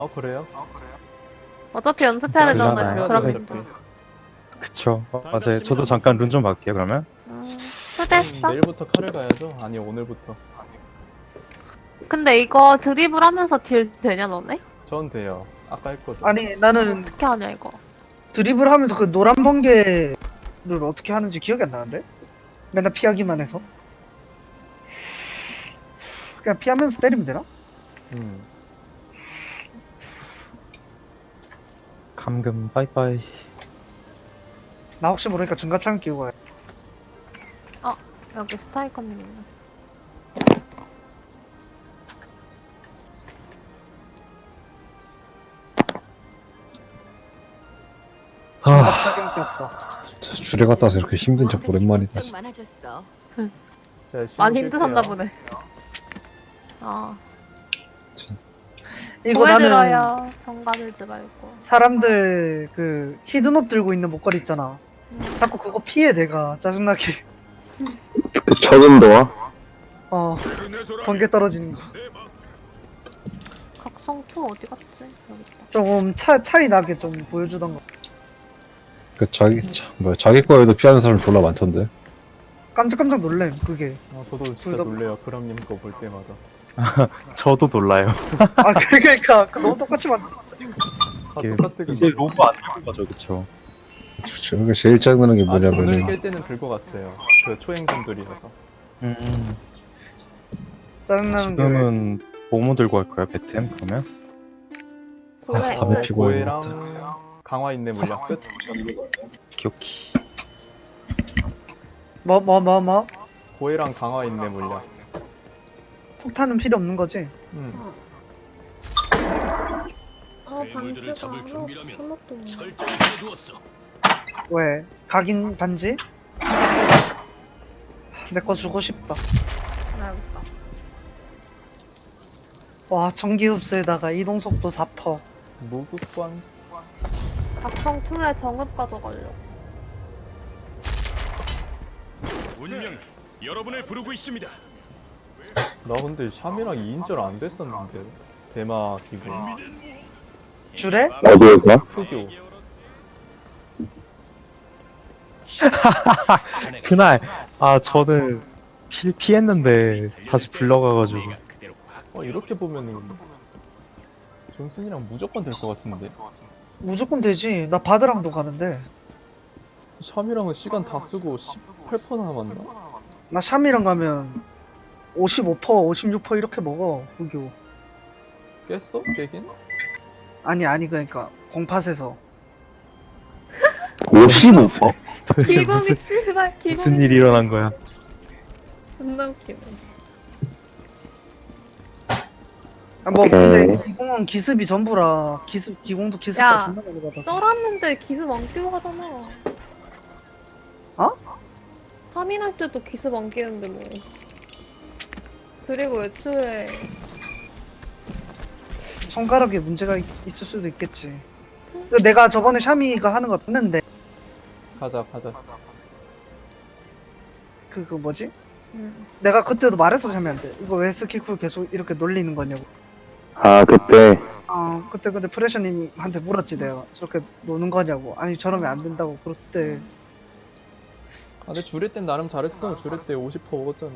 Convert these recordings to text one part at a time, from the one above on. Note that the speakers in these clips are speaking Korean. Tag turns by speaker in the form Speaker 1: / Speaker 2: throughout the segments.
Speaker 1: 그래요?
Speaker 2: 어차피 연습해야 되잖아요.
Speaker 3: 그러나요?
Speaker 2: 그럼
Speaker 1: 네.
Speaker 2: 힘들어.
Speaker 3: 그쵸. 맞아요. 저도 잠깐 룬 좀 갈게요, 그러면.
Speaker 2: 초대했어?
Speaker 1: 내일부터 칼을 가야죠? 아니 오늘부터.
Speaker 2: 근데 이거 드리블 하면서 딜 되냐 너네?
Speaker 1: 전 돼요. 아까 했거든.
Speaker 4: 아니 나는
Speaker 2: 어떻게 하냐 이거?
Speaker 4: 드리블 하면서 그 노란 번개를 어떻게 하는지 기억이 안 나는데? 맨날 피하기만 해서 그냥 피하면서 때리면 되나?
Speaker 3: 감금 빠이빠이.
Speaker 4: 나 혹시 모르니까 중갑창 끼고 가야
Speaker 2: 여기 스타이커님 있네.
Speaker 4: 중갑창 꼈어.
Speaker 5: 줄에 갔다 와서 이렇게 힘든 적 오랜만이다.
Speaker 6: 걱정 많아졌어.
Speaker 1: 제가
Speaker 2: 많이
Speaker 1: 신호
Speaker 2: 힘드셨나
Speaker 1: 끌게요.
Speaker 2: 보네.
Speaker 4: 이거 나는
Speaker 2: 보여드려요. 정가들지 말고.
Speaker 4: 사람들 그 히든업 들고 있는 목걸이 있잖아. 자꾸 그거 피해 내가 짜증나게.
Speaker 7: 적응도와
Speaker 4: 번개 떨어지는 거.
Speaker 2: 각성 2 어디 갔지? 여기 있다.
Speaker 4: 조금 차이 나게 좀 보여주던 거.
Speaker 5: 그 자기 거에도 피하는 사람 졸라 많던데.
Speaker 4: 깜짝 놀래 그게.
Speaker 1: 저도 진짜
Speaker 4: 둘 다-
Speaker 1: 놀래요. 그럼님 거 볼 때마다.
Speaker 3: 저도 놀라요.
Speaker 4: 아 그러니까 너무 똑같이 만.
Speaker 1: 다
Speaker 3: 이게
Speaker 1: 똑같은
Speaker 3: 이제
Speaker 1: 거.
Speaker 3: 로브 안 들고 가죠, 그쵸?
Speaker 5: 저게 제일 짜증나는 게
Speaker 1: 오늘
Speaker 5: 뭐냐면은
Speaker 1: 깰 때는 들고 갔어요. 그 초행분들이라서.
Speaker 4: 짜증나는 게.
Speaker 3: 지금은 뭐뭐 들고 갈까요, 배템? 그러면?
Speaker 2: 그래.
Speaker 5: 담배 피고
Speaker 1: 고해랑
Speaker 5: 해야겠다.
Speaker 1: 강화 있네 물약 끝.
Speaker 3: 기억히.
Speaker 4: 뭐?
Speaker 1: 고해랑 강화 있네 물약.
Speaker 4: 폭탄은 필요 없는 거지?
Speaker 2: 반지가 하나
Speaker 4: 왜? 각인 반지? 내 거 주고 싶다.
Speaker 2: 알겠다.
Speaker 4: 와 전기 흡수에다가 이동 속도 4%.
Speaker 1: 무구관스.
Speaker 2: 각성 2에 정읍 가져가려고.
Speaker 8: 운명 여러분을 부르고 있습니다.
Speaker 1: 나 근데 샴이랑 2인절 안 됐었는데. 대마 기분.
Speaker 4: 줄에?
Speaker 7: 어디에서?
Speaker 1: 흑요.
Speaker 3: 그날, 저는 피했는데 다시 불러가가지고.
Speaker 1: 이렇게 보면은 존슨이랑 무조건 될 것 같은데.
Speaker 4: 무조건 되지. 나 바드랑도 가는데.
Speaker 1: 샴이랑은 시간 다 쓰고 18% 남았나?
Speaker 4: 나 샴이랑 가면 55%, 56% 이렇게 먹어. 후교.
Speaker 1: 깼어? 깨긴?
Speaker 4: 아니 그러니까 공팟에서
Speaker 7: 55%?
Speaker 3: 도대체
Speaker 2: 기공이 씨발 기공.
Speaker 3: 무슨 일이 일어난 거야?
Speaker 2: 존나 웃기네.
Speaker 4: 뭐
Speaker 7: 오케이.
Speaker 4: 근데 기공은 기습이 전부라. 기공도 기습가
Speaker 2: 야,
Speaker 4: 존나 많이 받아서.
Speaker 2: 썰었는데 기습 안 끼고 하잖아.
Speaker 4: 어?
Speaker 2: 3인 할 때도 기습 안 끼는데 뭐. 그리고 애초에
Speaker 4: 손가락에 문제가 있을 수도 있겠지. 내가 저번에 샤미가 하는 거 봤는데
Speaker 1: 가자.
Speaker 4: 그 뭐지? 내가 그때도 말해서 샤미한테 이거 왜 스키쿨 계속 이렇게 놀리는 거냐고.
Speaker 7: 아, 그때.
Speaker 4: 그때 근데 프레셔님한테 물었지 내가 저렇게 노는 거냐고. 아니 저러면 안 된다고 그랬대.
Speaker 1: 근데 주례 땐 나름 잘했어. 주례 때 50% 먹었잖아.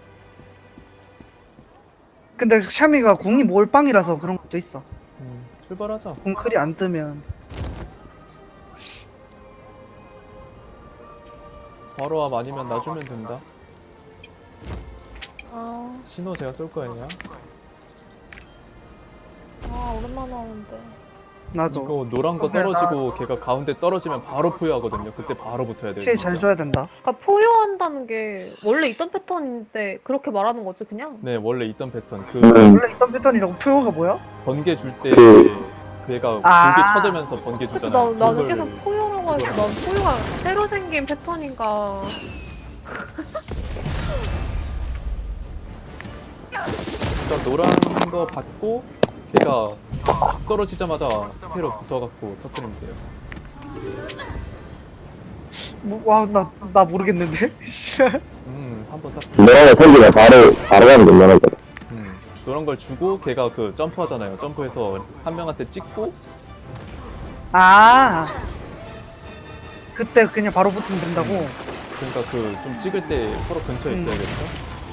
Speaker 4: 근데 샤미가 궁이 몰빵이라서 그런 것도 있어.
Speaker 1: 출발하자.
Speaker 4: 궁클이 안 뜨면.
Speaker 1: 바로 와 아니면 놔주면 된다. 신호 제가 쏠 거예요.
Speaker 2: 오랜만에 하는데.
Speaker 4: 나도
Speaker 1: 이거 노란 거
Speaker 4: 근데
Speaker 1: 떨어지고 걔가 가운데 떨어지면 바로 포효하거든요. 그때 바로 붙어야 돼요.
Speaker 4: 킬
Speaker 1: 진짜.
Speaker 4: 잘 줘야 된다.
Speaker 2: 그러니까 포효한다는 게 원래 있던 패턴인데 그렇게 말하는 거지 그냥?
Speaker 1: 네, 원래 있던 패턴. 그
Speaker 4: 원래 있던 패턴이라고 표어가 뭐야?
Speaker 1: 번개 줄 때 걔가
Speaker 4: 아.
Speaker 1: 불게 쳐들면서 번개
Speaker 2: 그래서
Speaker 1: 주잖아요.
Speaker 2: 나는
Speaker 1: 그걸-
Speaker 2: 계속 포효라고 해서 난 포효가 새로 생긴 패턴인가.
Speaker 1: 일단 노란 거 받고 걔가 탁 떨어지자마자 스페로 붙어갖고 터뜨리면 돼요.
Speaker 4: 나 모르겠는데.
Speaker 1: 한번 딱.
Speaker 7: 노란거 생기면 바로 가는 게 얼마나 돼.
Speaker 1: 그런 걸 주고 걔가 그 점프하잖아요. 점프해서 한 명한테 찍고
Speaker 4: 아 그때 그냥 바로 붙으면 된다고.
Speaker 1: 그러니까 그 좀 찍을 때 서로 근처에 있어야겠죠.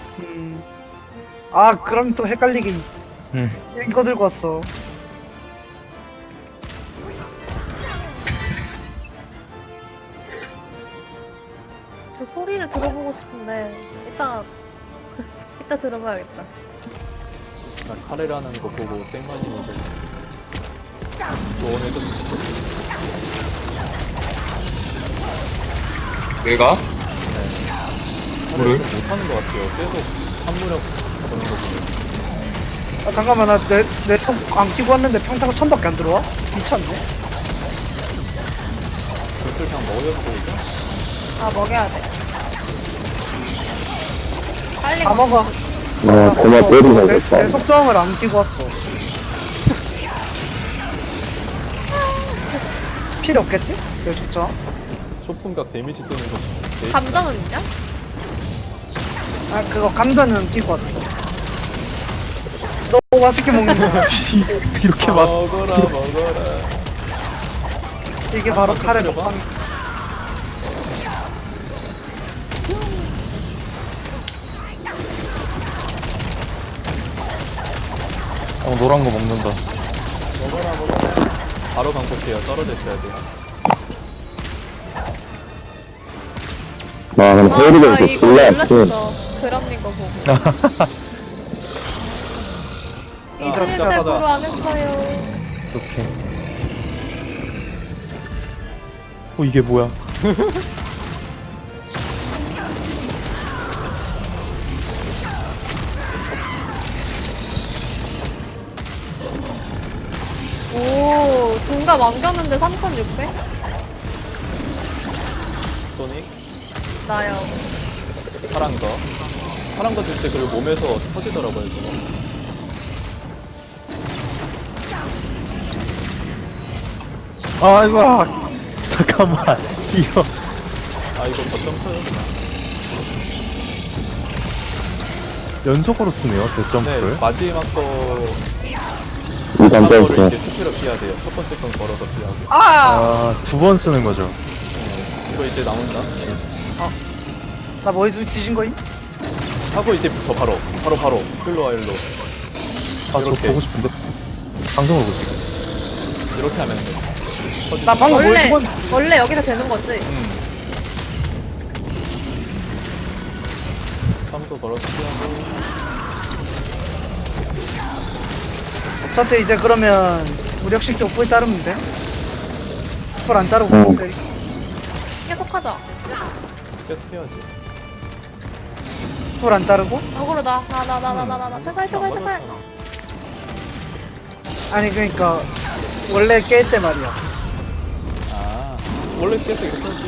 Speaker 4: 아 그럼 또 헷갈리게
Speaker 3: 음.
Speaker 4: 이거 들고 왔어.
Speaker 2: 저 소리를 들어보고 싶은데 이따 들어봐야겠다.
Speaker 1: 나 카레를 하는 거 보고 땡만이는데 조언해줬
Speaker 5: 내가?
Speaker 1: 카레를 좀 못하는 것 같아요. 계속 한무력 보는 거 보면.
Speaker 4: 아 잠깐만 나 내내손안 끼고 왔는데 평타가 1000밖에 안 들어와? 미쳤네.
Speaker 1: 글쓸 그냥 먹여서 보니까
Speaker 2: 아 먹여야 돼. 빨리
Speaker 4: 다 먹어.
Speaker 7: 그만 때리고
Speaker 4: 내 속저항을 안 끼고 왔어. 필요 없겠지? 내 속저항?
Speaker 1: 초풍각 데미지 뜨는 거 되게
Speaker 2: 감자는 있냐?
Speaker 4: 아 그거 감자는 끼고 왔어. 너무 맛있게 먹는 거.
Speaker 3: 이렇게 맛
Speaker 1: 먹어라 먹어라.
Speaker 4: 이게 바로 카레
Speaker 1: 터뜨려봐.
Speaker 4: 먹방.
Speaker 3: 노란 거 먹는다.
Speaker 1: 먹어라 먹어라. 바로 강폭해요. 떨어져 있어야 돼요.
Speaker 7: 와, 근데 헤어리가
Speaker 2: 아
Speaker 7: 이거
Speaker 2: 이거
Speaker 7: 졸라 약해.
Speaker 2: 놀랐어. 그람님 거 보고.
Speaker 1: 자,
Speaker 2: 이제
Speaker 1: 시작하자.
Speaker 2: 대부로 안 했어요.
Speaker 3: 이렇게. 이게 뭐야?
Speaker 2: 오 중갑 안겼는데 3,600?
Speaker 1: 소닉
Speaker 2: 나요.
Speaker 1: 파란 거. 파란 거 줄 때 그리고 몸에서 터지더라고요. 저거.
Speaker 3: 아이고. 잠깐만. 이거
Speaker 1: 아 이거 거점 쳐요.
Speaker 3: 연속으로 쓰네요.
Speaker 1: 네
Speaker 3: 대점프를.
Speaker 1: 마지막 거
Speaker 7: 이단
Speaker 1: 거를
Speaker 7: 점프.
Speaker 1: 이제 스피로 피해야 돼요. 첫 번째 건 걸어서 피하고.
Speaker 4: 아!
Speaker 3: 두 번 쓰는 거죠.
Speaker 1: 이거 이제 나온다.
Speaker 4: 나 뭐 뒤진 거임?
Speaker 1: 하고 이제 저 바로 일로 와 일로.
Speaker 3: 저
Speaker 1: 이렇게.
Speaker 3: 보고 싶은데 방송을 보지.
Speaker 1: 이렇게 하면 돼. 터지지.
Speaker 4: 나 방금 뭘
Speaker 2: 원래
Speaker 4: 죽었?
Speaker 2: 원래 여기서 되는 거지.
Speaker 1: 삼도 걸어서 피하고.
Speaker 4: 저때 이제 그러면 무력식 뿔 자르면 돼? 뿔 안 자르고 있는데.
Speaker 2: 계속하자.
Speaker 1: 계속 해야지.
Speaker 4: 뿔 안 자르고?
Speaker 2: 어그로 나 퇴사해.
Speaker 4: 아니 그러니까 원래 깰 때 말이야.
Speaker 1: 아 원래 계속 이렇게 하지.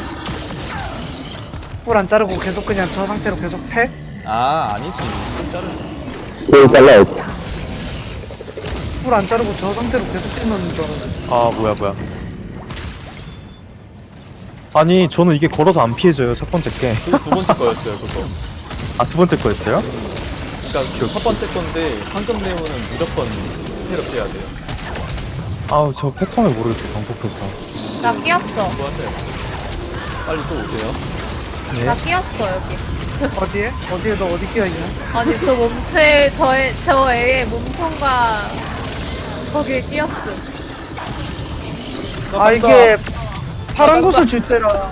Speaker 4: 뿔 안 자르고 계속 그냥 저 상태로 계속 패?
Speaker 1: 아 아니지. 자르.
Speaker 7: 또 잘라야지.
Speaker 4: 뿔 안 자르고 저 상태로 계속 찔러는 줄 알았는데.
Speaker 3: 아 뭐야. 아니 저는 이게 걸어서 안 피해져요. 첫 번째 게.
Speaker 1: 두 번째 거였어요 그거.
Speaker 3: 두 번째 거였어요?
Speaker 1: 그러니까 그첫 번째 건데 황금 네오는 무조건 스피로 피해야 돼요.
Speaker 3: 아우 저 패턴을 모르겠어요. 방법 패턴.
Speaker 2: 나 끼었어.
Speaker 1: 뭐 하세요? 빨리 또 오세요.
Speaker 2: 나 끼었어 여기.
Speaker 4: 어디에? 어디에 너 어디 끼어 있냐?
Speaker 2: 아니 저 몸체 저 애의 몸통과 거기에 끼었어.
Speaker 4: 아 이게 파란 곳을 줄 때랑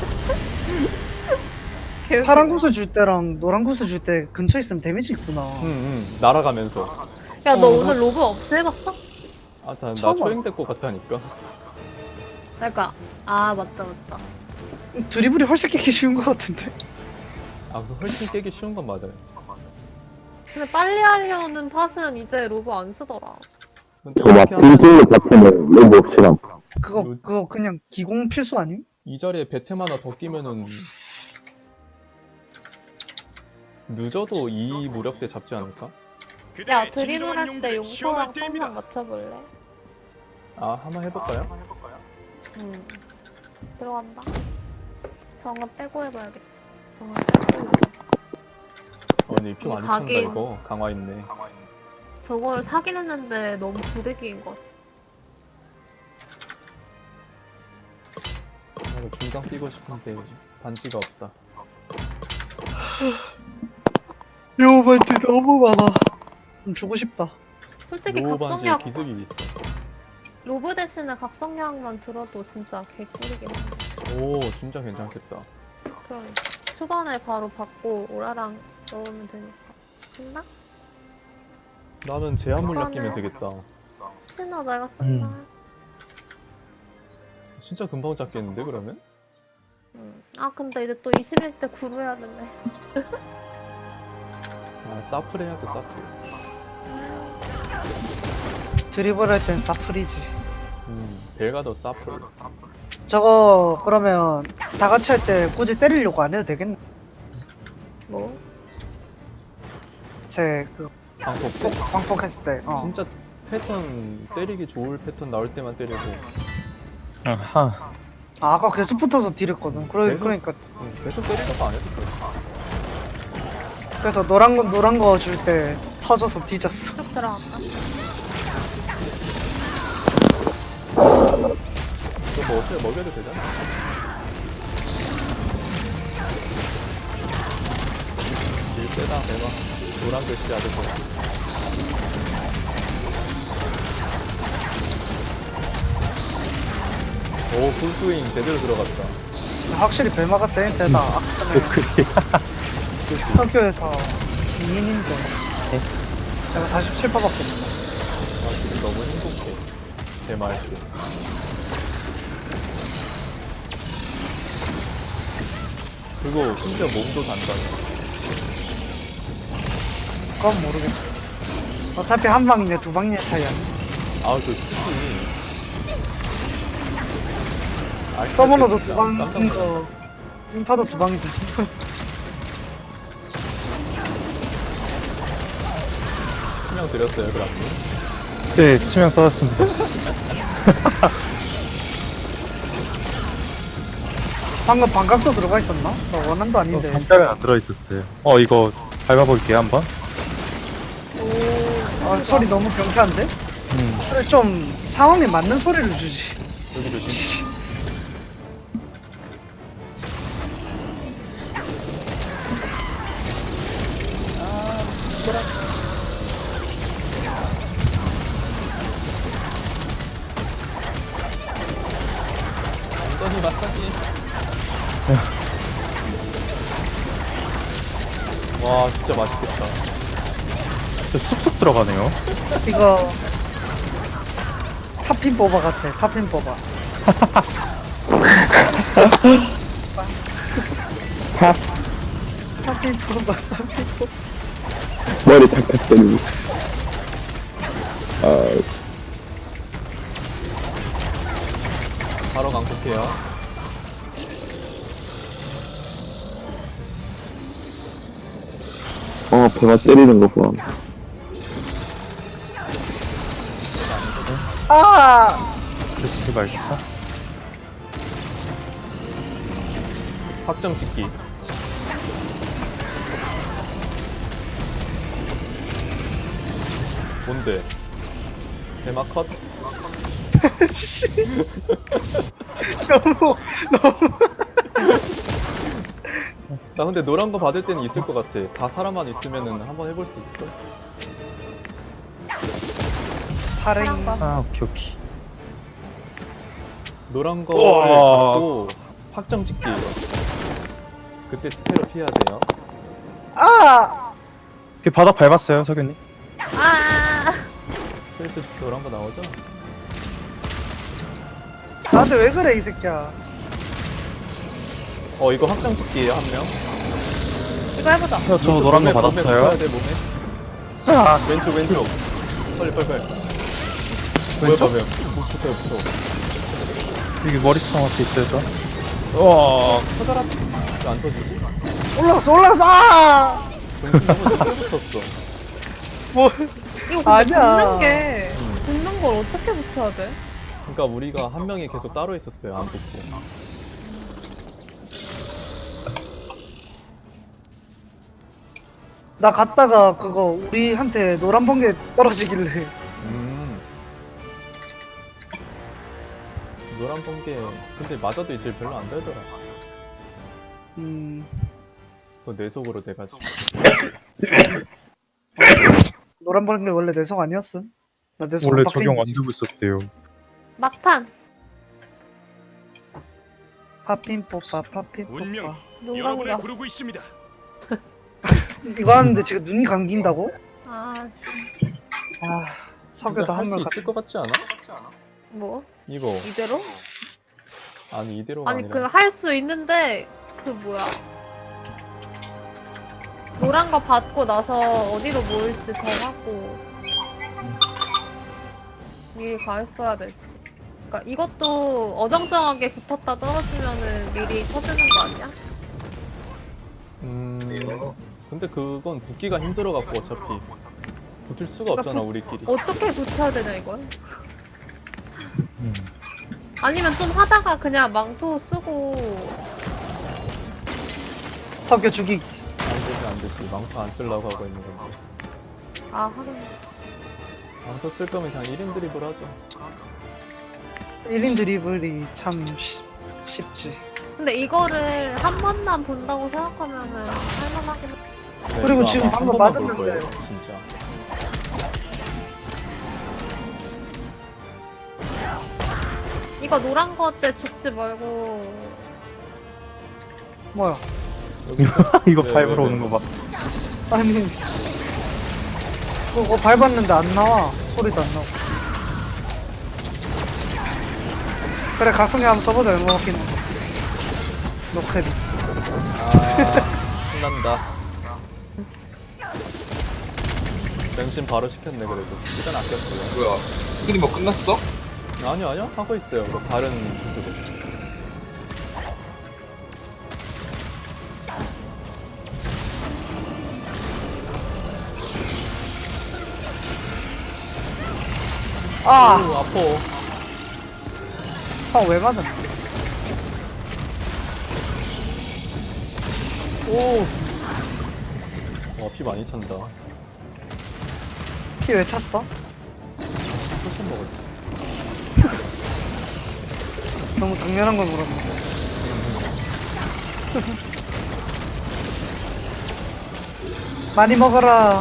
Speaker 4: 파란 곳을 줄 때랑 노란 곳을 줄 때 근처에 있으면 데미지 있구나.
Speaker 1: 날아가면서.
Speaker 2: 야 너 오늘 로그 없애봤어?
Speaker 1: 나
Speaker 4: 처음
Speaker 1: 초행될 것 같다니까.
Speaker 2: 그러니까 아 맞다.
Speaker 4: 드리블이 훨씬 깨기 쉬운 것 같은데.
Speaker 1: 그 훨씬 깨기 쉬운 건 맞아요.
Speaker 2: 근데 빨리 하려는 팟은 이제 로그 안 쓰더라.
Speaker 1: 근데
Speaker 7: 그거 막
Speaker 1: 이렇게 하면
Speaker 7: 빙빙을 같으면 너무 없이랑.
Speaker 4: 그거 그냥 기공 필수 아님?
Speaker 1: 이 자리에 베템 하나 더 끼면은 늦어도 이 무력대 잡지 않을까?
Speaker 2: 야 드리블 할 때 용서랑 펌만 맞춰볼래?
Speaker 1: 한번 해볼까요?
Speaker 2: 들어간다. 정은 빼고 해봐야겠다. 정은 빼고.
Speaker 1: 근데 피 많이 찬다
Speaker 2: 가긴.
Speaker 1: 이거. 강화 있네.
Speaker 2: 저거를 사긴 했는데 너무 부대기인 것 같아.
Speaker 1: 나도 중강 뛰고 싶은데 반지가 없다.
Speaker 4: 요반지 너무 많아. 좀 주고 싶다.
Speaker 2: 솔직히
Speaker 1: 노 반지에
Speaker 2: 각성약
Speaker 1: 기습이 있어.
Speaker 2: 로브 대신에 각성약만 들어도 진짜 개꿀이긴 한데.
Speaker 1: 오 진짜 괜찮겠다.
Speaker 2: 그럼 초반에 바로 받고 오라랑 넣으면 되니까. 됐나?
Speaker 1: 나는 제한 물약 끼면 되겠다.
Speaker 2: 신나 내가 쓴다.
Speaker 1: 진짜 금방 잡겠는데 그러면?
Speaker 2: 아 근데 이제 또 21대 구로 해야 되네.
Speaker 1: 아 사플 해야지 사플.
Speaker 4: 드리블 할 땐 사프리지.
Speaker 1: 벨가더 사플.
Speaker 4: 저거 그러면 다 같이 할 때 굳이 때리려고 안 해도 되겠네.
Speaker 2: 뭐?
Speaker 4: 제그
Speaker 1: 방폭 때?
Speaker 4: 광폭했을 때.
Speaker 1: 진짜 패턴 때리기 좋을 패턴 나올 때만 때리고
Speaker 3: 아하.
Speaker 4: 아, 아까 계속 붙어서 딜했거든.
Speaker 1: 계속?
Speaker 4: 그러니까
Speaker 1: 계속 때리는 거 안 해도 돼.
Speaker 4: 그래서 노란 거 줄 때 터져서 뒤졌어.
Speaker 2: 쭉 들어갈까?
Speaker 1: 저거 뭐 어떻게 먹여도 되잖아. 딜 세다 대박. 노란 글씨 아들 거. 오 풀스윙 제대로 들어갔다.
Speaker 4: 확실히 벨마가 세긴 세다. 아까 전에 학교에서 2인인데 내가 47%밖에 없네.
Speaker 1: 아 지금 너무 행복해. 대말 때. 그리고 심지어 몸도 단단해.
Speaker 4: 그건 모르겠어. 어차피 한 방이냐 두 방이냐 차이야.
Speaker 1: 아그 크지.
Speaker 4: 서머너도
Speaker 1: 진짜
Speaker 4: 두 방인
Speaker 1: 깜짝 놀랐어.
Speaker 4: 거 인파도 두 방이지.
Speaker 1: 신경 드렸어요 그럼.
Speaker 3: 네, 치명 떠났습니다.
Speaker 4: 방금 반각도 들어가 있었나? 나 원한도 아닌데.
Speaker 3: 반짝은 안 들어있었어요. 이거 밟아볼게요, 한번.
Speaker 4: 아, 소리 너무 경쾌한데? 그래 좀 상황에 맞는 소리를 주지.
Speaker 1: 여기 조심. 엉덩이 마사지. 와 진짜 맛있겠다.
Speaker 3: 쑥쑥 들어가네요.
Speaker 4: 이거 팝핀 뽑아 같아. 팝핀 뽑아. 팝핀 뽑아.
Speaker 7: 머리 탁탁 때리고. 아,
Speaker 1: 바로 강폭해요.
Speaker 7: 배가 때리는 거 봐.
Speaker 4: 아!
Speaker 3: 그렇지, 발사.
Speaker 1: 확정 찍기. 뭔데? 대막 컷?
Speaker 4: 너무
Speaker 1: 나 근데 노란 거 받을 때는 있을 것 같아. 다 사람만 있으면은 한번 해볼 수 있을걸?
Speaker 4: 파랭.
Speaker 3: 아, 오케이.
Speaker 1: 노란 거를
Speaker 3: 우와.
Speaker 1: 받고 확정 찍기. 그때 스페로 피해야 돼요.
Speaker 4: 아!
Speaker 3: 그 바닥 밟았어요, 석현님.
Speaker 2: 아,
Speaker 1: 슬슬 노란 거 나오죠?
Speaker 4: 나한테 왜 그래 이 새끼야.
Speaker 1: 이거 확정 찍기예요 한 명.
Speaker 2: 이거 해보자.
Speaker 3: 저 노란 거
Speaker 1: 몸에
Speaker 3: 받았어요.
Speaker 1: 붙어야 돼, 몸에.
Speaker 3: 아,
Speaker 1: 왼쪽. 빨리.
Speaker 3: 왼쪽?
Speaker 1: 뭐야, 붙어.
Speaker 3: 여기 머리통 앞에 있어요.
Speaker 1: 터져라. 왜안 터지지?
Speaker 4: 올라갔어. 아!
Speaker 1: 정신 너무 늦게 붙었어.
Speaker 4: 뭐
Speaker 2: 이거 근데
Speaker 4: 아니야.
Speaker 2: 붙는 걸 어떻게 붙여야 돼?
Speaker 1: 그러니까 우리가 한 명이 계속 따로 있었어요, 안 붙고.
Speaker 4: 나 갔다가 그거 우리한테 노란 번개 떨어지길래
Speaker 1: 노란 번개 근데 맞아도 이제 별로 안 되더라. 그거 내 속으로 돼가지고.
Speaker 4: 노란 번개 원래 내성 아니었음? 나 내성
Speaker 3: 원래
Speaker 4: 안 박혀
Speaker 3: 적용
Speaker 4: 있는
Speaker 3: 안
Speaker 4: 거지.
Speaker 3: 되고 있었대요.
Speaker 2: 막판.
Speaker 4: 파핀 뽀빠 파핀
Speaker 8: 운명
Speaker 4: 뽀빠
Speaker 2: 눈
Speaker 8: 여러분을
Speaker 2: 감겨.
Speaker 8: 부르고 있습니다.
Speaker 4: 이거 하는데 지금 눈이 감긴다고?
Speaker 2: 아,
Speaker 4: 아 석유도
Speaker 1: 할수
Speaker 4: 한물
Speaker 1: 있을 것 같지 않아?
Speaker 2: 뭐?
Speaker 1: 이거
Speaker 2: 이대로?
Speaker 1: 아니 이대로가
Speaker 2: 아니,
Speaker 1: 아니라
Speaker 2: 그 할 수 있는데, 그 뭐야. 노란 거 받고 나서 어디로 모일지 정하고 미리 가 있어야 돼. 그니까 이것도 어정쩡하게 붙었다 떨어지면은 미리 터지는 거 아니야?
Speaker 1: 근데 그건 붙기가 힘들어갖고 어차피 붙을 수가
Speaker 2: 그러니까
Speaker 1: 없잖아 우리끼리.
Speaker 2: 어떻게 붙여야 되냐 이걸? 아니면 좀 하다가 그냥 망토 쓰고
Speaker 4: 석유 죽이기.
Speaker 1: 안 되지. 망토 안 쓰려고 하고 있는 건데.
Speaker 2: 아 하긴
Speaker 1: 망토 쓸 거면 그냥 1인 드립을 하죠.
Speaker 4: 1인 드리블이 참 쉽지.
Speaker 2: 근데 이거를 한 번만 본다고 생각하면은 할만하긴 해.
Speaker 1: 네,
Speaker 4: 그리고
Speaker 1: 이거
Speaker 4: 지금
Speaker 1: 아마 한
Speaker 4: 방금
Speaker 1: 번만 볼
Speaker 4: 맞았는데.
Speaker 1: 거예요, 진짜.
Speaker 2: 이거 노란 거 때 죽지 말고
Speaker 4: 뭐야?
Speaker 1: 여기
Speaker 3: 이거
Speaker 1: 네,
Speaker 3: 파이브로
Speaker 1: 네,
Speaker 3: 오는
Speaker 1: 네.
Speaker 3: 거 봐.
Speaker 4: 아니 그거 밟았는데 안 나와. 소리도 안 나고. 그래 가성이 한번 써보자. 얼마 먹긴 해. 노크헤드.
Speaker 1: 아, 신난다. 변신 바로 시켰네 그래도. 시간 아꼈어요.
Speaker 6: 뭐야 스트리머 끝났어?
Speaker 1: 아니요 하고 있어요. 뭐 다른 주제로.
Speaker 4: 아!
Speaker 1: 오, 아파.
Speaker 4: 왜 맞았나?
Speaker 1: 오. 피 많이 찬다.
Speaker 4: 피 왜 찼어?
Speaker 1: 소신 먹었지.
Speaker 4: 너무 당연한 걸 물었네. 많이 먹어라.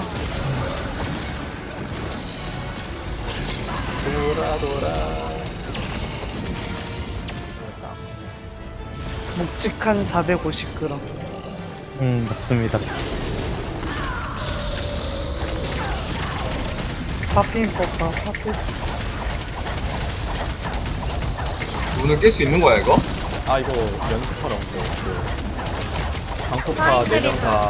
Speaker 1: 돌아.
Speaker 4: 묵직한 450g.
Speaker 3: 맞습니다.
Speaker 4: 파핀 뽀빠 파핀.
Speaker 6: 문을 깰 수 있는 거야 이거?
Speaker 1: 아 이거 연습하러 온 거. 그 방콕파
Speaker 2: 사인들이
Speaker 1: 4명 다.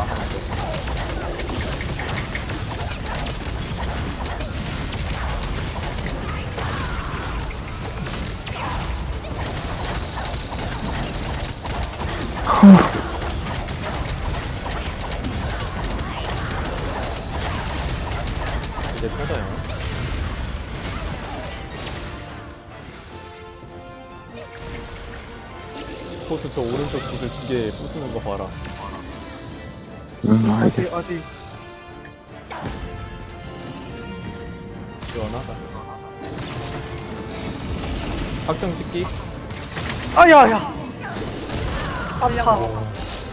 Speaker 1: 이제 터져요. 포스 저 오른쪽 구슬 2개 부수는 거 봐라.
Speaker 4: 어디
Speaker 1: 시원하다. 확정 찍기.
Speaker 4: 아야야. 아파.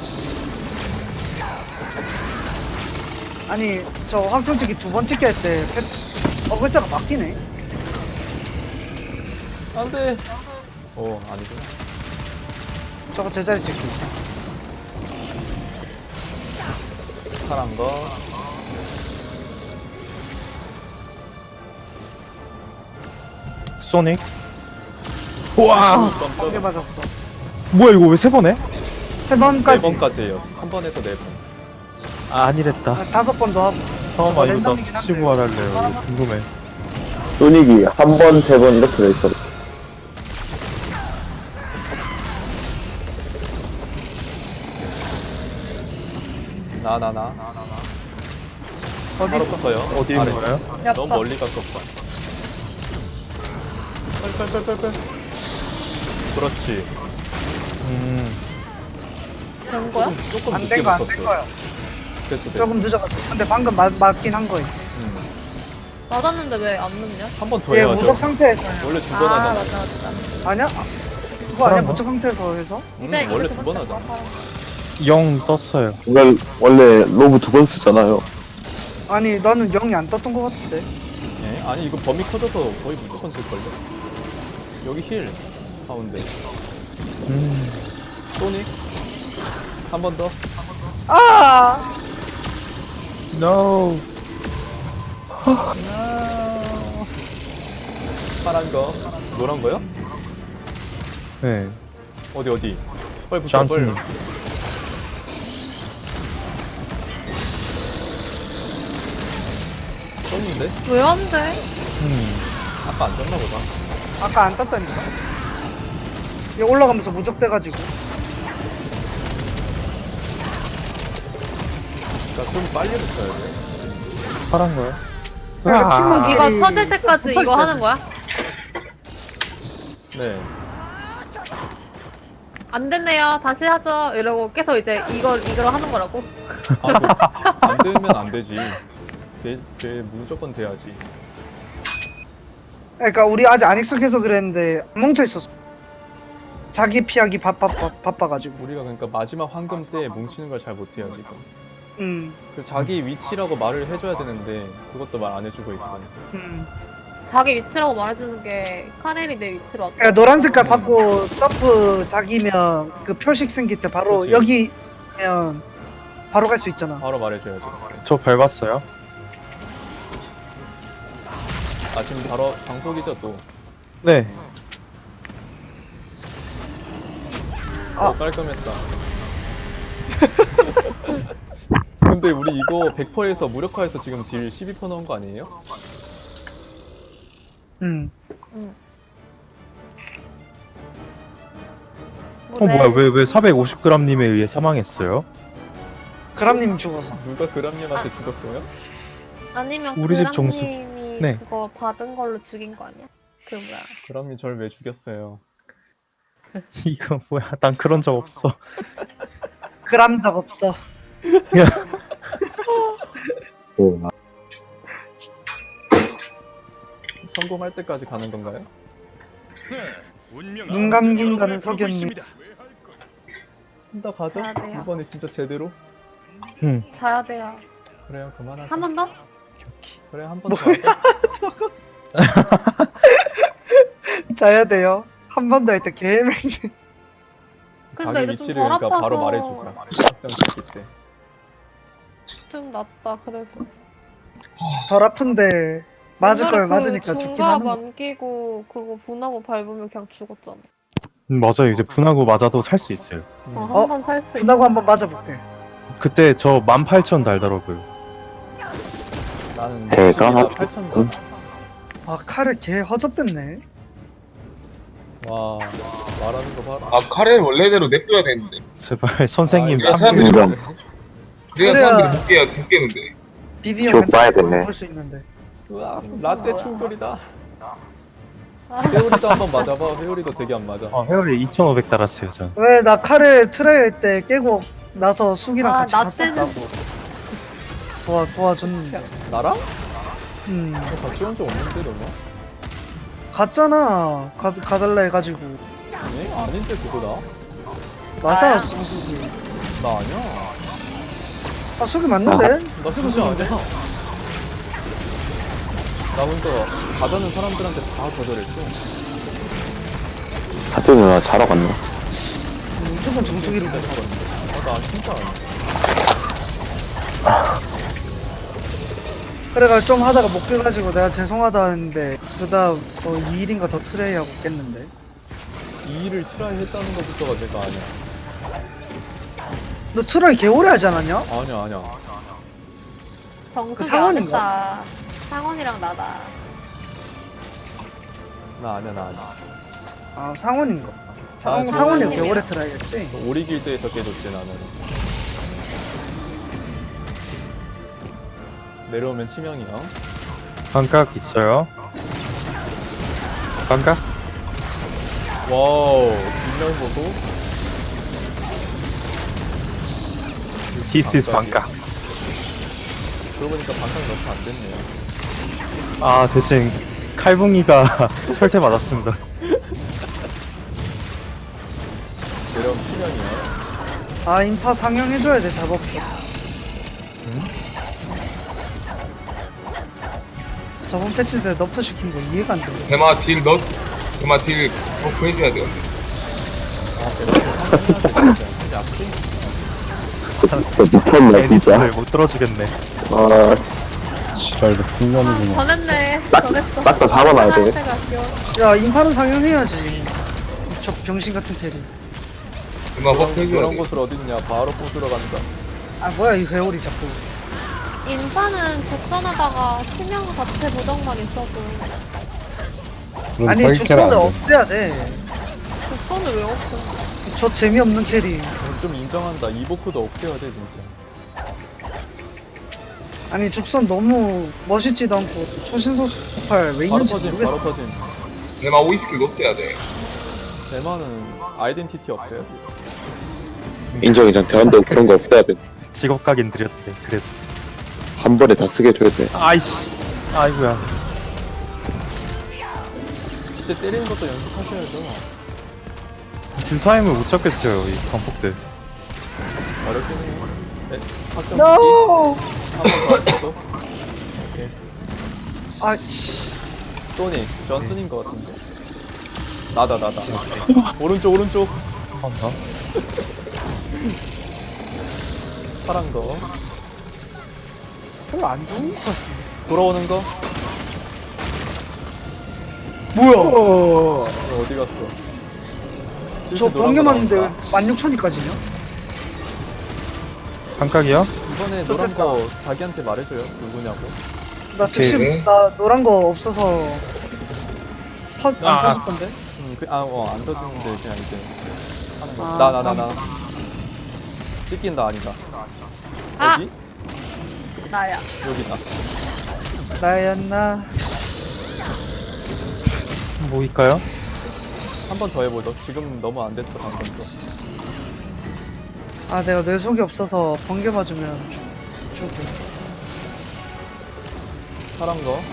Speaker 4: 아니 저 황청치기 2번 찍기 할 때 글자가 바뀌네.
Speaker 1: 안돼. 아니구나.
Speaker 4: 저거 제자리 찍기.
Speaker 1: 파란 거.
Speaker 3: 소닉. 우와.
Speaker 4: 한개 맞았어.
Speaker 3: 뭐야 이거 왜 세 번에?
Speaker 4: 3번까지.
Speaker 1: 4번까지예요. 한 번에서 4번.
Speaker 3: 아, 아니랬다.
Speaker 4: 5번도 하고.
Speaker 3: 잠깐만 이거
Speaker 4: 랜덤이긴
Speaker 3: 나
Speaker 4: 한데.
Speaker 3: 치고 할래요. 이거 궁금해.
Speaker 7: 소닉이 한 번, 세 번 이렇게 돼 있어.
Speaker 1: 나.
Speaker 4: 어디
Speaker 1: 바로
Speaker 4: 있어?
Speaker 1: 붙어요.
Speaker 3: 어디 있는
Speaker 1: 아래.
Speaker 3: 거예요?
Speaker 1: 너무 멀리 갔었어. 빨빨빨빨빨. 그렇지.
Speaker 2: 된 거야?
Speaker 1: 조금
Speaker 4: 안
Speaker 1: 늦게
Speaker 4: 된 거 안 된
Speaker 1: 붙었어.
Speaker 4: 거야.
Speaker 1: 됐어.
Speaker 4: 조금 늦어가지고. 근데 방금 맞긴 한 거임.
Speaker 2: 맞았는데 왜 안 넣냐?
Speaker 1: 한 번 더
Speaker 4: 얘
Speaker 1: 해야죠.
Speaker 4: 무적 상태에서.
Speaker 1: 원래 두
Speaker 2: 아
Speaker 1: 번 하잖아.
Speaker 2: 맞다.
Speaker 4: 아니야? 그거 아니야?
Speaker 3: 그런가?
Speaker 4: 무적 상태에서 해서?
Speaker 1: 원래 두 번 하잖아.
Speaker 3: 0 떴어요.
Speaker 7: 원래 로브 2번 쓰잖아요.
Speaker 4: 아니 나는 0이 안 떴던 거 같은데.
Speaker 1: 예? 아니 이거 범위 커져서 거의 무조건 쓸걸요? 여기 힐 가운데 소닉 한 번 더.
Speaker 4: 아!
Speaker 3: No.
Speaker 1: 파란 거 노란 거요?
Speaker 3: 네.
Speaker 1: 어디 빨리 붙여
Speaker 3: 존슨님.
Speaker 1: 빨리. 떴는데?
Speaker 2: 왜 안 돼?
Speaker 1: 아까 안 떴나 보다.
Speaker 4: 아까 안 떴다니까? 얘 올라가면서 무적돼가지고.
Speaker 1: 그러니까 좀 빨리 붙여야 돼.
Speaker 3: 파란 거요?
Speaker 4: 그러니까
Speaker 3: 아.
Speaker 4: 팀원끼리
Speaker 2: 이거 터질 때까지
Speaker 4: 붙어
Speaker 2: 이거
Speaker 4: 있어야
Speaker 2: 하는
Speaker 4: 돼.
Speaker 2: 거야?
Speaker 1: 네.
Speaker 2: 안 됐네요. 다시 하죠. 이러고 계속 이제 이걸 하는 거라고.
Speaker 1: 안 되면 안 되지. 돼 무조건 돼야지.
Speaker 4: 그러니까 우리 아직 안 익숙해서 그랬는데 안 뭉쳐있었어. 자기 피하기 바빠가지고.
Speaker 1: 우리가 그러니까 마지막 황금 때 뭉치는 걸 잘 못해요 지금.
Speaker 4: 음.
Speaker 1: 그 자기 위치라고 말을 해줘야 되는데 그것도 말 안 해주고 있고.
Speaker 2: 자기 위치라고 말해주는 게 카렐이 내 위치로 왔다.
Speaker 4: 그러니까 노란 색깔 받고 점프 자기면 그 표식 생길 때 바로
Speaker 1: 그렇지.
Speaker 4: 여기면 바로 갈 수 있잖아.
Speaker 1: 바로 말해줘야지.
Speaker 3: 저 밟았어요.
Speaker 1: 아 지금 바로 방폭이죠 또.
Speaker 3: 네.
Speaker 4: 아.
Speaker 1: 깔끔했다. 근데 우리 이거 100%에서 무력화해서 지금 딜 12% 넣은 거 아니에요?
Speaker 3: 뭐야 왜 450g님에 의해 사망했어요?
Speaker 4: 그람님 죽어서.
Speaker 1: 누가 그람님한테 죽었어요?
Speaker 2: 아니면
Speaker 3: 우리 집 정수.
Speaker 2: 그랑님이
Speaker 3: 네.
Speaker 2: 그거 받은 걸로 죽인 거 아니야? 그 뭐야?
Speaker 1: 그람님 절 왜 죽였어요?
Speaker 3: 이거 뭐야? 난 그런 적 없어.
Speaker 4: 그람 적 없어.
Speaker 1: 성공할 때까지 가는 건가요?
Speaker 8: 운명
Speaker 4: 눈 감긴다는
Speaker 8: 여러분을 부르고
Speaker 4: 석연님.
Speaker 8: 있습니다.
Speaker 1: 혼자 가죠?
Speaker 2: 가야 돼요.
Speaker 1: 이번에 진짜 제대로?
Speaker 2: 자야 돼요.
Speaker 1: 그래요 그만하자.
Speaker 2: 한 번 더?
Speaker 1: 그래 한 번 더 하자.
Speaker 4: 자야 돼요. 한 번 더 할 때 개맹.
Speaker 2: 근데
Speaker 1: 자기
Speaker 2: 이제 좀
Speaker 1: 위치를
Speaker 2: 덜
Speaker 1: 그러니까
Speaker 2: 아파서
Speaker 1: 바로 말해주자. 확정 시킬 때.
Speaker 2: 좀 낫다 그래도.
Speaker 4: 덜 아픈데 맞을 걸
Speaker 2: 옛날에
Speaker 4: 맞으니까
Speaker 2: 그
Speaker 4: 죽긴
Speaker 2: 중갑
Speaker 4: 하는 거.
Speaker 2: 안 끼고 그거 분하고 밟으면 그냥 죽었잖아.
Speaker 3: 맞아요. 이제 분하고 맞아도 살 수 있어요.
Speaker 4: 어?
Speaker 2: 한 번 살 수 있어.
Speaker 4: 분하고 한번 맞아볼게.
Speaker 3: 그때 저 18,000 달더라고요.
Speaker 1: 나는
Speaker 7: 대가
Speaker 1: 8,000원.
Speaker 4: 아 칼을 개 허접됐네.
Speaker 1: 와 말하는 거 봐라.
Speaker 6: 아 카레를 원래대로 냅둬야 되는데.
Speaker 3: 제발 선생님
Speaker 6: 아,
Speaker 3: 참.
Speaker 6: 사람들이
Speaker 7: 인정.
Speaker 6: 그래야
Speaker 4: 그래야-
Speaker 6: 사람들이 못 깨는데.
Speaker 4: 비비형
Speaker 7: 저 봐야겠네.
Speaker 4: 볼수 있는데.
Speaker 1: 우와 라떼 충돌이다.
Speaker 2: 아,
Speaker 1: 회오리도 한번 맞아봐. 회오리도 되게 안 맞아.
Speaker 3: 회원이 2,500 달았어요 전.
Speaker 4: 왜 나 칼을 트레이 때 깨고 나서 숙이랑
Speaker 2: 아,
Speaker 4: 같이
Speaker 2: 나
Speaker 4: 갔었다고. 도와줬는데.
Speaker 1: 나랑?
Speaker 4: 너
Speaker 1: 같이 온 적 없는데 너무?
Speaker 4: 갔잖아. 가달라 해가지고.
Speaker 1: 아니? 아닌데 그거다.
Speaker 4: 맞아
Speaker 2: 나야?
Speaker 4: 숙이.
Speaker 1: 나 아니야.
Speaker 4: 아 숙이 맞는데?
Speaker 1: 나 진짜 아니야. 나 혼자 가자는 사람들한테 다 거절했어.
Speaker 7: 사태 누나 자러 갔나?
Speaker 4: 무조건 정수기를 돼.
Speaker 1: 나 진짜 아니야.
Speaker 4: 그래가 좀 하다가 못 깨가지고 내가 죄송하다 했는데 그다음 2일인가 더 트레이 하고 깼는데.
Speaker 1: 이 일을 트라이 했다는 것부터가 내가 아니야.
Speaker 4: 너 트레이 개 오래 하지 않았냐?
Speaker 1: 아니야.
Speaker 2: 정수기
Speaker 4: 그
Speaker 2: 안
Speaker 4: 상원인가?
Speaker 2: 했다. 상원이랑 나다.
Speaker 1: 나 아니야.
Speaker 4: 아 상원인가?
Speaker 1: 저-
Speaker 4: 상원이 개 오래 트레이했지?
Speaker 1: 오리길드에서 깨졌지 나는. 내려오면 치명이야.
Speaker 3: 반각 있어요. 반각?
Speaker 1: 와우 뒷면 보고
Speaker 3: This is 반각.
Speaker 1: 그러고 보니까 반상이 너무 안 됐네요.
Speaker 3: 아 대신 칼붕이가 철퇴 맞았습니다.
Speaker 1: 내려온 수면이요.
Speaker 4: 아 인파 상영해줘야 돼 작업도. 저번 패치 때 너프 시킨 거 이해가 안 돼.
Speaker 6: 대마 딜 버프 해줘야 돼요.
Speaker 1: 아, 대박. 진짜 앞뒤?
Speaker 7: 진짜 미쳤네 진짜.
Speaker 3: 애니츠를 못 들어주겠네.
Speaker 7: 아,
Speaker 5: 지랄도 풍년이구나.
Speaker 2: 전했네. 전했어.
Speaker 7: 딱 다 잡아놔야 돼.
Speaker 2: 나한테 갈게요.
Speaker 4: 야 인파는 상영해야지. 저 병신 같은 테리.
Speaker 6: 대마 버프 해줘야
Speaker 1: 그런
Speaker 6: 돼.
Speaker 1: 곳을 어딨냐. 바로 부수러 간다.
Speaker 4: 아 뭐야 이 회오리 자꾸.
Speaker 2: 인파는 적선하다가 치명 자체 보정만 있어도
Speaker 5: 그럼
Speaker 4: 아니
Speaker 5: 저기 캐라
Speaker 4: 죽선을
Speaker 5: 안 돼.
Speaker 4: 없애야 돼.
Speaker 2: 적선을 왜 없어?
Speaker 4: 저 재미없는 캐리.
Speaker 1: 좀 인정한다. 이보크도 없애야 돼, 진짜.
Speaker 4: 아니 죽선 너무 멋있지도 않고 초신소수 폭발 왜
Speaker 1: 바로
Speaker 4: 있는지
Speaker 1: 퍼진,
Speaker 4: 모르겠어.
Speaker 1: 바로 퍼진.
Speaker 6: 대마 오이스킬 없애야 돼.
Speaker 1: 대만은 아이덴티티 없애야 돼.
Speaker 7: 인정 대환도 그런 거 없어야 돼.
Speaker 3: 직업 각인 드렸대. 그래서
Speaker 7: 한 번에 다 쓰게 줘야 돼.
Speaker 3: 아이씨. 아이고야.
Speaker 1: 진짜 때리는 것도 연습하셔야죠.
Speaker 3: 딜타임을 못 잡겠어요. 이 광폭들.
Speaker 1: 어렵긴 해요. 네, 확정
Speaker 4: No.
Speaker 1: 한번 더 했어. 오케이.
Speaker 4: 아
Speaker 1: 소닉, 존슨인 것 같은데. 나다. 오른쪽.
Speaker 3: 한 번 더.
Speaker 1: 파란 거.
Speaker 4: 별로 안 좋은 것 같은데.
Speaker 1: 돌아오는 거.
Speaker 4: 뭐야?
Speaker 1: 어디 갔어?
Speaker 4: 저
Speaker 1: 이렇게 노란
Speaker 4: 번개
Speaker 1: 거
Speaker 4: 맞는데
Speaker 1: 나온다.
Speaker 4: 16,000이까지냐?
Speaker 3: 한각이요?
Speaker 1: 이번에 노란 거 자기한테 말해줘요. 누구냐고.
Speaker 4: 나 특심
Speaker 6: 네.
Speaker 4: 나 노란 거 없어서 안
Speaker 3: 아.
Speaker 4: 터질 건데.
Speaker 1: 안 터지는데 그냥 이제 하는 거.
Speaker 4: 아,
Speaker 1: 나. 찍긴다 아니다.
Speaker 2: 아!
Speaker 1: 어디?
Speaker 2: 나야.
Speaker 1: 여기다.
Speaker 4: 나였나?
Speaker 3: 뭐일까요?
Speaker 1: 한 번 더 해보죠. 지금 너무 안 됐어 방금 거.
Speaker 4: 아 내가 뇌속이 없어서 번개 맞으면 죽고.
Speaker 1: 파란 거.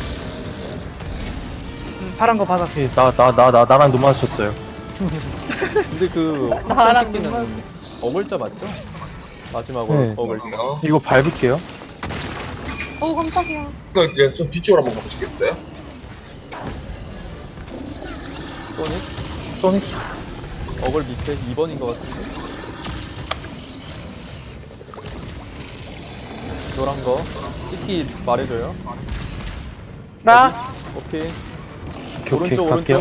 Speaker 4: 파란 거 받았어.
Speaker 3: 나랑 눈 마주쳤어요.
Speaker 1: 근데 그
Speaker 2: 나랑
Speaker 1: 찍기는 어글자 맞죠? 마지막으로
Speaker 3: 네.
Speaker 1: 어글자.
Speaker 3: 이거 밟을게요.
Speaker 2: 오 깜짝이야.
Speaker 6: 이거 이제 좀 뒤쪽으로 한번 가보시겠어요?
Speaker 1: 소닉.
Speaker 3: 소닉.
Speaker 1: 어글 밑에 2번인 것 같은데. 노란 거. 찍기 말해줘요.
Speaker 4: 나
Speaker 1: 오케이.
Speaker 3: 오케이,
Speaker 1: 오른쪽.
Speaker 3: 갈게요.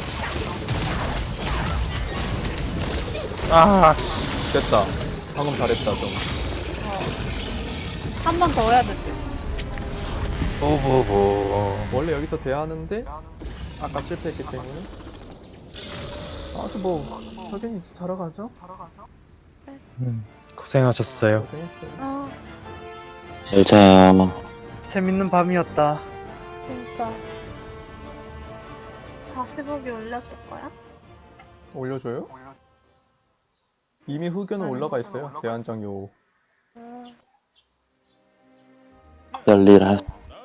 Speaker 3: 아,
Speaker 1: 됐다. 방금 잘했다 좀.
Speaker 2: 한 번 더 해야 될 듯.
Speaker 1: 원래 여기서 돼야 하는데 아까 실패했기 때문에. 아주 뭐 석연이 이제 자러 가죠?
Speaker 3: 고생하셨어요.
Speaker 1: 고생했어요.
Speaker 7: 잘 자.
Speaker 4: 재밌는 밤이었다.
Speaker 2: 진짜. 다시 보기 올려줄 거야?
Speaker 1: 올려줘요? 이미 후견은 올라가 있어요. 대한장 요.
Speaker 7: 열일할.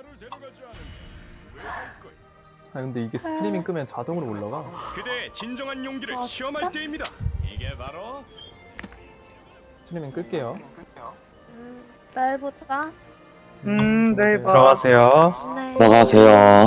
Speaker 1: 아 근데 이게 스트리밍 끄면 자동으로 올라가.
Speaker 8: 그대의 진정한 용기를
Speaker 2: 아,
Speaker 8: 시험할
Speaker 2: 진짜?
Speaker 8: 때입니다. 이게 바로
Speaker 1: 스트리밍 끌게요.
Speaker 2: 내일 보자.
Speaker 4: 내일 봐.
Speaker 3: 들어가세요.
Speaker 2: 네.
Speaker 7: 들어가세요.